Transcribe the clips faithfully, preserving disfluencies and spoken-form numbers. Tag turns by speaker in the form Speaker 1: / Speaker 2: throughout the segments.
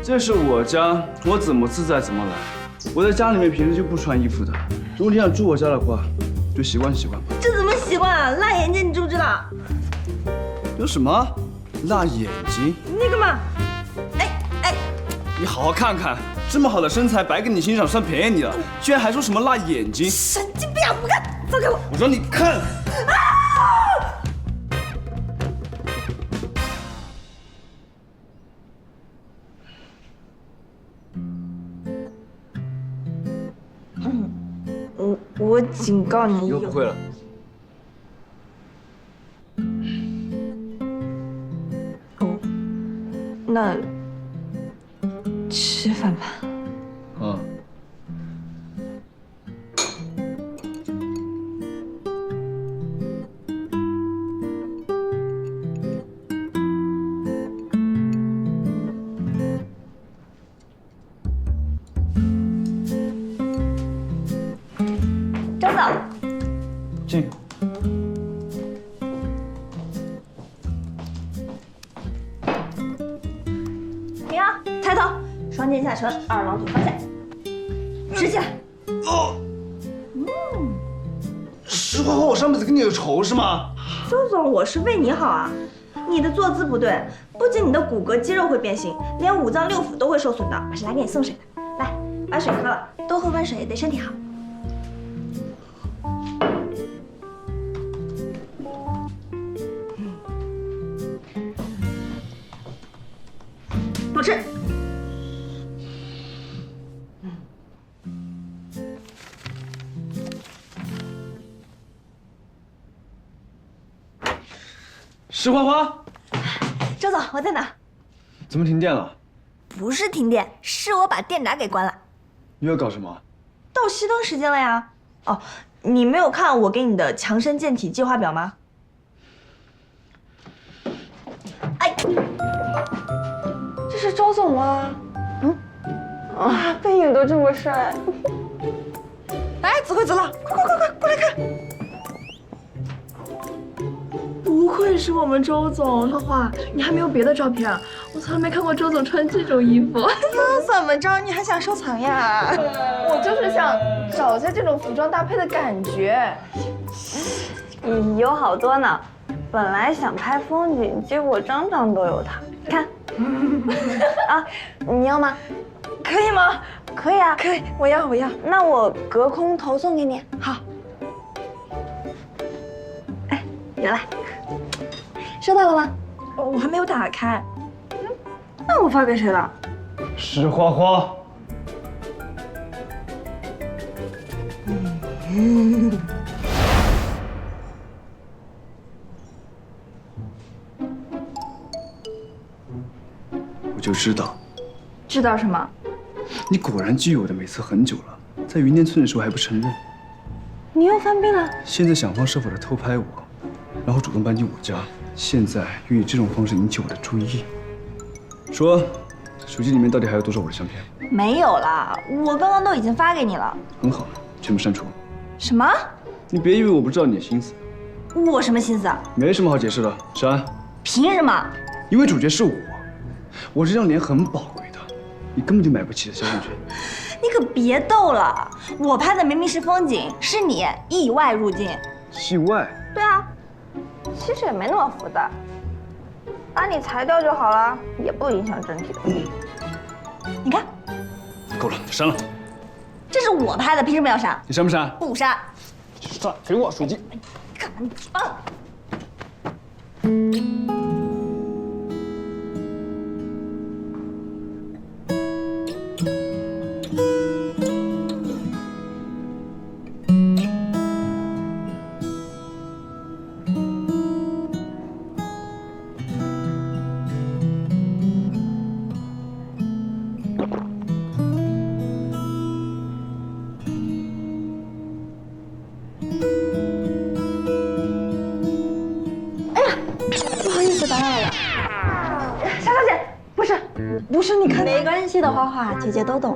Speaker 1: 这是我家，我怎么自在怎么来。我在家里面平时就不穿衣服的，如果你想住我家的话，就习惯习惯吧。
Speaker 2: 这怎么习惯啊？辣眼睛，你知不知道？
Speaker 1: 有什么？辣眼睛？
Speaker 2: 那个嘛，哎哎，
Speaker 1: 你好好看看，这么好的身材摆给你欣赏，算便宜你了，居然还说什么辣眼睛？
Speaker 2: 神经病！不看，放开我！
Speaker 1: 我说你看。啊！
Speaker 2: 我我警告你，
Speaker 1: 以后不会了。
Speaker 2: 哦，那吃饭吧。
Speaker 1: 嗯。
Speaker 2: 周总，
Speaker 1: 进。
Speaker 2: 停啊！抬头，双肩下沉，二郎腿方向，直起来。
Speaker 1: 哦。嗯。石花花，我上辈子跟你有仇是吗？
Speaker 2: 周总，我是为你好啊。你的坐姿不对，不仅你的骨骼肌肉会变形，连五脏六腑都会受损的。我是来给你送水的，来，把水喝了，多喝温水对身体好。多吃。
Speaker 1: 石花花，
Speaker 2: 周总，我在哪？
Speaker 1: 怎么停电了？
Speaker 2: 不是停电，是我把电闸给关了。
Speaker 1: 你要搞什么？
Speaker 2: 到熄灯时间了呀。哦，你没有看我给你的强身健体计划表吗？哎，
Speaker 3: 这是周总吗？嗯，啊，背影都这么帅。
Speaker 2: 哎，子慧走了，快快快快过来看！
Speaker 3: 不愧是我们周总，花花，你还没有别的照片啊？我从来没看过周总穿这种衣服。
Speaker 2: 那怎么着？你还想收藏呀？
Speaker 3: 我就是想找一下这种服装搭配的感觉。
Speaker 4: 有好多呢，本来想拍风景，结果张张都有它。看，啊，你要吗？
Speaker 2: 可以吗？
Speaker 4: 可以啊，
Speaker 2: 可以，我要我要。
Speaker 4: 那我隔空投送给你。
Speaker 2: 好。哎，有了，收到了吗？我还没有打开。嗯，那我发给谁了？
Speaker 1: 石花花。嗯。我就知道。
Speaker 3: 知道什么？
Speaker 1: 你果然觊觎我的美色很久了，在云巅村的时候还不承认。
Speaker 4: 你又犯病了？
Speaker 1: 现在想方设法的偷拍我，然后主动搬进我家，现在又以这种方式引起我的注意。说，手机里面到底还有多少我的相片？
Speaker 2: 没有啦，我刚刚都已经发给你了。
Speaker 1: 很好，全部删除。
Speaker 2: 什么？
Speaker 1: 你别以为我不知道你的心思。
Speaker 2: 我什么心思啊？
Speaker 1: 没什么好解释的，删。
Speaker 2: 凭什么？
Speaker 1: 因为主角是我，我这张脸很宝贵的，你根本就买不起的肖像权。
Speaker 2: 你可别逗了，我拍的明明是风景，是你意外入境。
Speaker 1: 意外？
Speaker 2: 对啊，
Speaker 4: 其实也没那么复杂，把你裁掉就好了，也不影响整体的。
Speaker 2: 你看，
Speaker 1: 够了，删了。
Speaker 2: 这是我拍的，凭什么要删？
Speaker 1: 你删不删？
Speaker 2: 不删。
Speaker 1: 删，给我手机。
Speaker 2: 干嘛你放？不是，你看，
Speaker 4: 没关系的，花花姐姐都懂。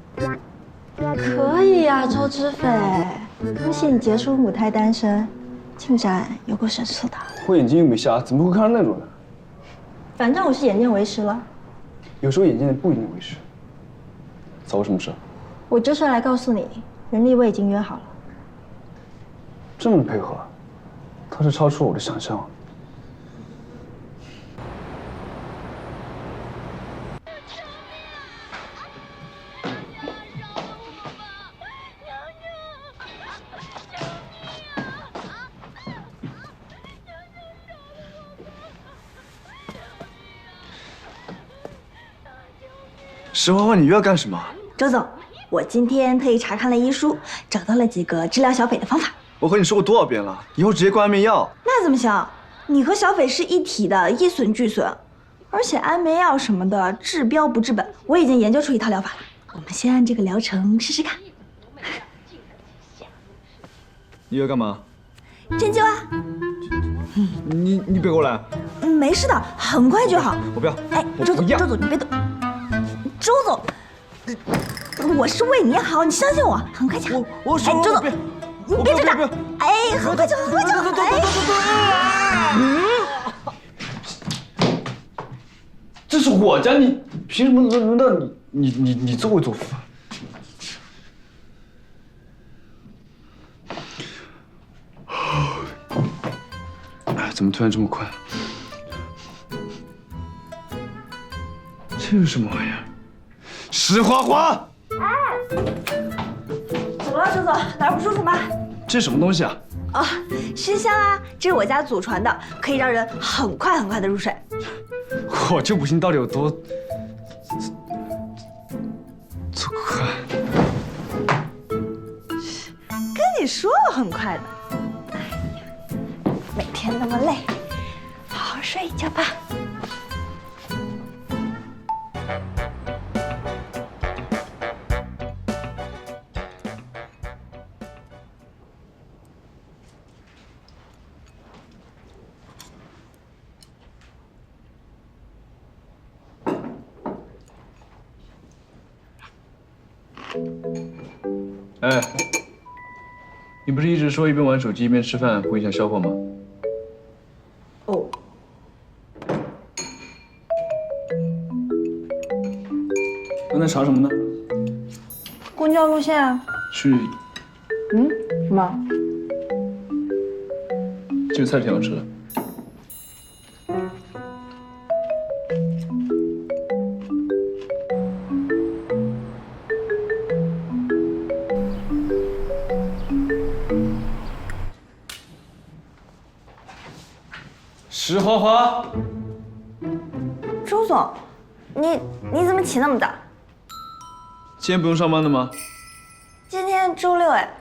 Speaker 4: 可以呀、周知斐，恭喜你结束母胎单身。
Speaker 2: 进展有够神速的。
Speaker 1: 我眼睛又没瞎，怎么会看到那种人？
Speaker 2: 反正我是眼见为实了。
Speaker 1: 有时候眼见的不一定为实。找我什么事？
Speaker 2: 我就是来告诉你，人力我已经约好了。
Speaker 1: 这么配合，他是超出我的想象。石花花，你又要干什么？
Speaker 2: 周总，我今天特意查看了医书，找到了几个治疗小斐的方法。
Speaker 1: 我和你说过多少遍了，以后直接灌安眠药。
Speaker 2: 那怎么行？你和小斐是一体的，一损俱损。而且安眠药什么的治标不治本，我已经研究出一套疗法了。我们先按这个疗程试试看。
Speaker 1: 你要干嘛？
Speaker 2: 针灸啊。
Speaker 1: 你你别过来。
Speaker 2: 嗯，没事的，很快就好。
Speaker 1: 我不要。
Speaker 2: 哎，周总，周总，你别动。周总，我是为你好，你相信我，很快就好。
Speaker 1: 我我
Speaker 2: 哎，周总，你别挣扎。哎，很快就好，很快就好。哎，
Speaker 1: 这是我家，你凭什么轮轮到你？你你你作威作福？哎，怎么突然这么快？这是什么玩意儿？石花花！
Speaker 2: 哎，怎么了，周总？哪儿不舒服吗？
Speaker 1: 这是什么东西啊？
Speaker 2: 哦，熏香啊，这是我家祖传的，可以让人很快很快的入睡。
Speaker 1: 我就不信到底有多多快。
Speaker 2: 跟你说了很快的。哎呀，每天那么累，好好睡一觉吧。
Speaker 1: 哎，你不是一直说一边玩手机一边吃饭不影响消化吗？
Speaker 2: 哦。
Speaker 1: 刚才查什么呢？
Speaker 2: 公交路线啊。
Speaker 1: 去。
Speaker 2: 嗯？什么？
Speaker 1: 这个菜挺好吃的。石花花，
Speaker 4: 周总，你你怎么起那么早？
Speaker 1: 今天不用上班的吗？
Speaker 4: 今天周六哎。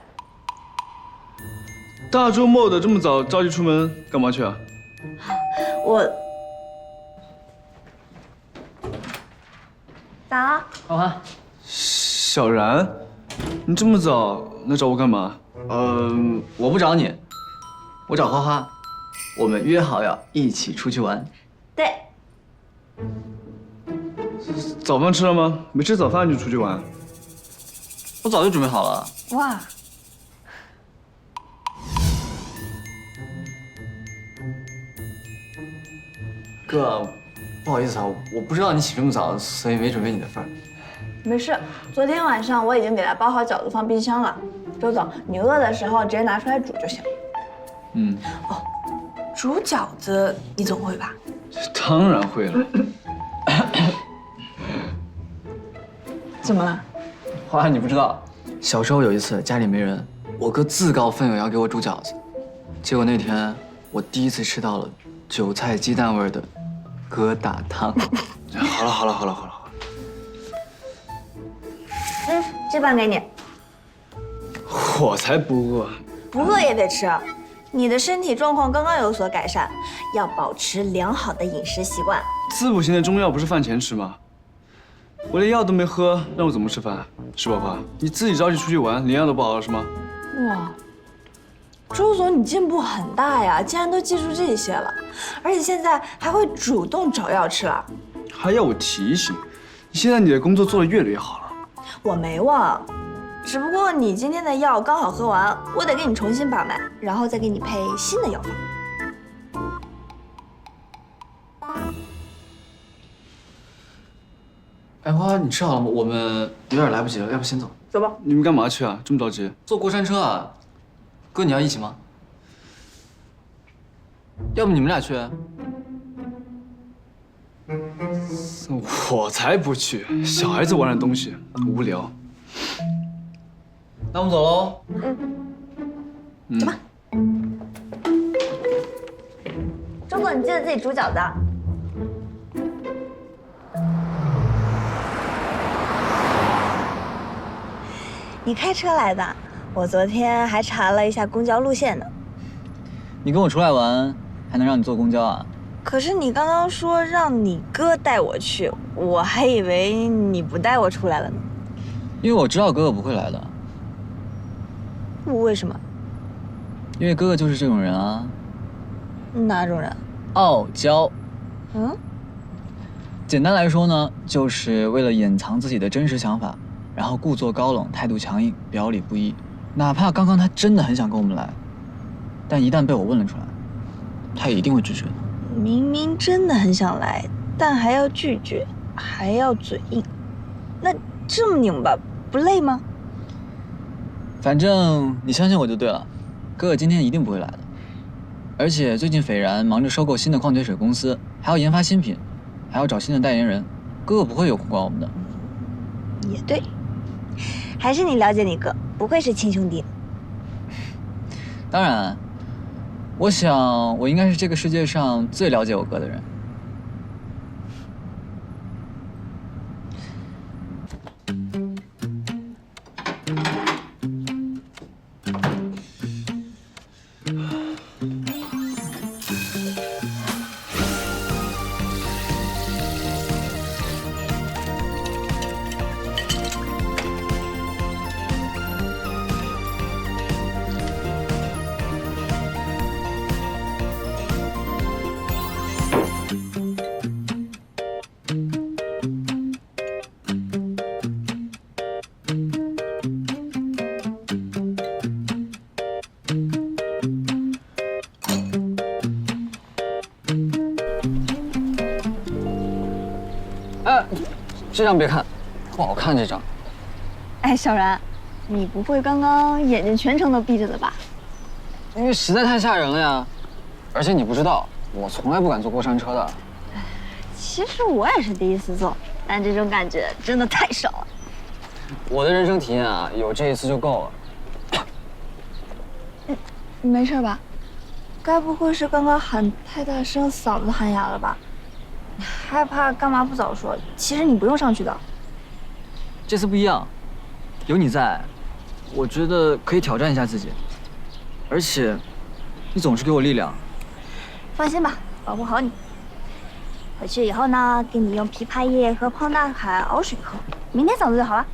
Speaker 1: 大周末的这么早着急出门干嘛去啊？
Speaker 2: 我
Speaker 4: 咋了？
Speaker 5: 花花，
Speaker 1: 小然，你这么早来找我干嘛？
Speaker 5: 嗯，我不找你，我找花花，我们约好要一起出去玩。
Speaker 4: 对。
Speaker 1: 早饭吃了吗？没吃早饭就出去玩？
Speaker 5: 我早就准备好了。
Speaker 4: 哇。
Speaker 5: 哥，不好意思啊，我不知道你起这么早，所以没准备你的份儿。
Speaker 3: 没事，昨天晚上我已经给他包好饺子放冰箱了。周总，你饿的时候直接拿出来煮就行。
Speaker 1: 嗯。
Speaker 3: 哦，煮饺子你总会吧？
Speaker 1: 当然会了。
Speaker 3: 怎么了？
Speaker 5: 花花，你不知道，小时候有一次家里没人，我哥自告奋勇要给我煮饺子，结果那天我第一次吃到了韭菜鸡蛋味的疙瘩汤。
Speaker 1: 好了好了好了好了好了。
Speaker 4: 嗯，这半给你。
Speaker 1: 我才不饿。
Speaker 2: 不饿也得吃。你的身体状况刚刚有所改善，要保持良好的饮食习惯。
Speaker 1: 滋补型的中药不是饭前吃吗？我连药都没喝，让我怎么吃饭？石宝花，你自己着急出去玩，连药都不好了是吗？
Speaker 3: 哇，周总你进步很大呀，竟然都记住这些了，而且现在还会主动找药吃了。
Speaker 1: 还要我提醒？现在你的工作做得越来越好了。
Speaker 2: 我没忘，
Speaker 3: 只不过你今天的药刚好喝完，我得给你重新把脉，然后再给你配新的药方。
Speaker 5: 哎，花花，你吃好了吗？我们有点来不及了，要不先走？
Speaker 3: 走吧。
Speaker 1: 你们干嘛去啊？这么着急？
Speaker 5: 坐过山车啊？哥，你要一起吗？要不你们俩去？
Speaker 1: 我才不去！小孩子玩的东西无聊。
Speaker 5: 那我们走喽。
Speaker 1: 嗯，
Speaker 2: 走吧。周总，你记得自己煮饺子啊。你开车来的？我昨天还查了一下公交路线呢。
Speaker 6: 你跟我出来玩，还能让你坐公交啊？
Speaker 3: 可是你刚刚说让你哥带我去，我还以为你不带我出来了呢。
Speaker 6: 因为我知道哥哥不会来的。
Speaker 3: 为什么？
Speaker 6: 因为哥哥就是这种人啊。
Speaker 3: 哪种人？
Speaker 6: 傲娇。
Speaker 3: 嗯？
Speaker 6: 简单来说呢，就是为了掩藏自己的真实想法，然后故作高冷，态度强硬，表里不一。哪怕刚刚他真的很想跟我们来，但一旦被我问了出来，他也一定会拒绝的。
Speaker 3: 明明真的很想来，但还要拒绝，还要嘴硬，那这么拧巴不累吗？
Speaker 6: 反正你相信我就对了，哥哥今天一定不会来的。而且最近斐然忙着收购新的矿泉水公司，还要研发新品，还要找新的代言人，哥哥不会有空管我们的。
Speaker 3: 也对，
Speaker 2: 还是你了解你哥，不愧是亲兄弟。
Speaker 6: 当然，我想我应该是这个世界上最了解我哥的人。哎，这张别看，不好看这张。
Speaker 4: 哎，小然，你不会刚刚眼睛全程都闭着的吧？
Speaker 6: 因为实在太吓人了呀，而且你不知道，我从来不敢坐过山车的。
Speaker 4: 其实我也是第一次坐，但这种感觉真的太少了。
Speaker 6: 我的人生体验啊，有这一次就够了。
Speaker 3: 你没事吧？该不会是刚刚喊太大声，嗓子喊哑了吧？害怕干嘛不早说？其实你不用上去的。
Speaker 6: 这次不一样，有你在，我觉得可以挑战一下自己。而且，你总是给我力量。
Speaker 2: 放心吧，保护好你。回去以后呢，给你用枇杷叶和胖大海熬水喝，明天嗓子就好了。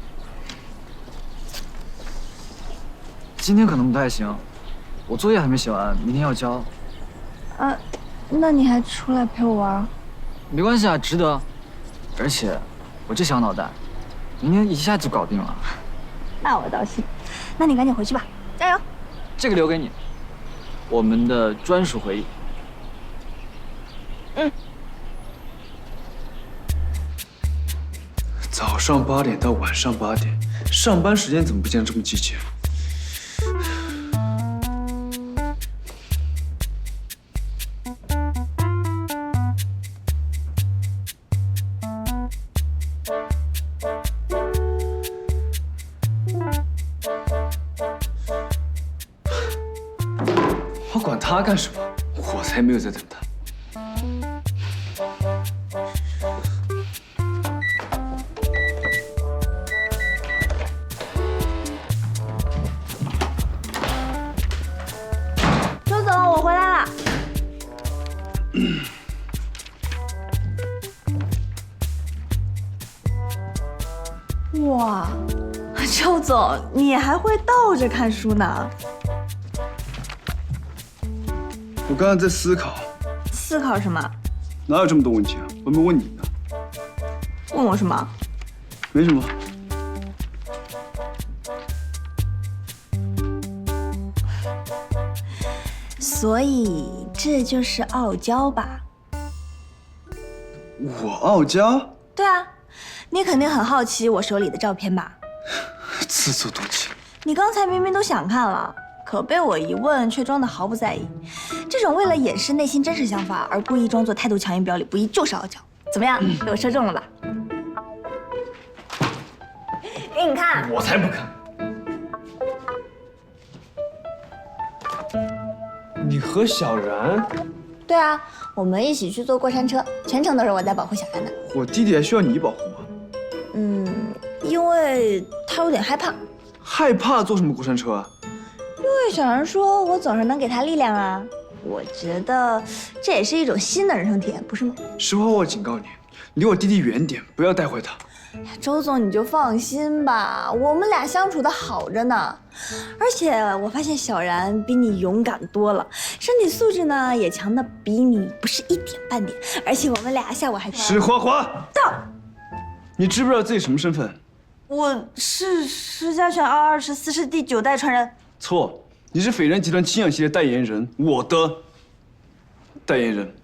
Speaker 6: 今天可能不太行，我作业还没写完，明天要交。
Speaker 3: 啊，那你还出来陪我玩？
Speaker 6: 没关系啊，值得。而且，我这小脑袋，明天一下就搞定了。
Speaker 2: 那我倒是。那你赶紧回去吧，加油！
Speaker 6: 这个留给你，我们的专属回忆。
Speaker 2: 嗯。
Speaker 1: 早上八点到晚上八点，上班时间怎么不见得这么积极？我管他干什么？我才没有在等他。
Speaker 2: 周总，我回来了。
Speaker 3: 哇，周总，你还会倒着看书呢？
Speaker 1: 我刚刚在思考，
Speaker 3: 思考什么？
Speaker 1: 哪有这么多问题啊？我没问你呢。
Speaker 3: 问我什么？
Speaker 1: 没什么。
Speaker 3: 所以这就是傲娇吧？
Speaker 1: 我傲娇？
Speaker 3: 对啊，你肯定很好奇我手里的照片吧？
Speaker 1: 自作多情。
Speaker 3: 你刚才明明都想看了，可被我一问却装得毫不在意。这种为了掩饰内心真实想法而故意装作态度强硬、表里不一，就是傲娇。怎么样，被我说中了吧？给你看。
Speaker 1: 我才不看。你和小然？
Speaker 3: 对啊，我们一起去坐过山车，全程都是我在保护小然的。
Speaker 1: 我弟弟还需要你保护吗？
Speaker 3: 嗯，因为他有点害怕。
Speaker 1: 害怕坐什么过山车啊？
Speaker 3: 因为小然说我总是能给他力量啊。我觉得这也是一种新的人生体验，不是吗？
Speaker 1: 实话，我警告你，离我弟弟远点，不要带坏他。
Speaker 3: 周总，你就放心吧，我们俩相处的好着呢。而且我发现小然比你勇敢多了，身体素质呢也强的比你不是一点半点。而且我们俩下午还
Speaker 1: 石花花，
Speaker 3: 到，
Speaker 1: 你知不知道自己什么身份？
Speaker 3: 我是石家轩二二十四世第九代传人。
Speaker 1: 错，你是斐然集团清氧系列代言人，我的代言人。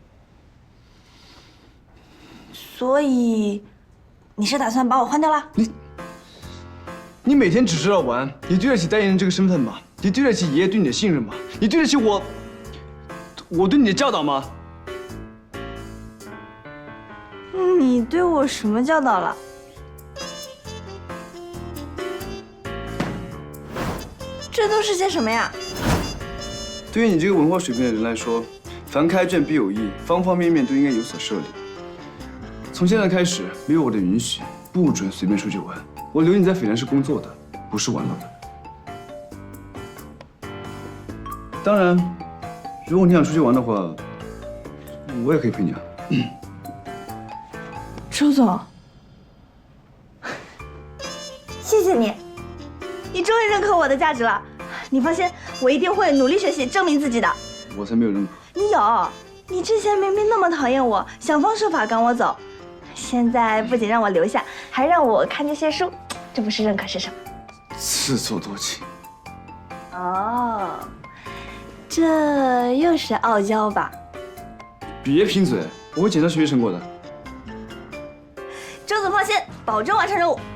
Speaker 3: 所以，你是打算把我换掉了？
Speaker 1: 你，你每天只知道玩，你对得起代言人这个身份吗？你对得起爷爷对你的信任吗？你对得起我，我对你的教导吗？
Speaker 3: 你对我什么教导了？这都是些什么呀？
Speaker 1: 对于你这个文化水平的人来说，凡开卷必有益，方方面面都应该有所涉猎。从现在开始，没有我的允许，不准随便出去玩。我留你在斐然是工作的，不是玩乐的。当然，如果你想出去玩的话，我也可以陪你啊。
Speaker 3: 周总，谢谢你，
Speaker 2: 你终于认可我的价值了。你放心，我一定会努力学习，证明自己的。
Speaker 1: 我才没有认可。
Speaker 2: 你有，你之前明明那么讨厌我，想方设法赶我走，现在不仅让我留下，还让我看这些书，这不是认可是什么？
Speaker 1: 自作多情。
Speaker 2: 哦，这又是傲娇吧？
Speaker 1: 别贫嘴，我会检查学习成果的。
Speaker 2: 周总放心，保证完成任务。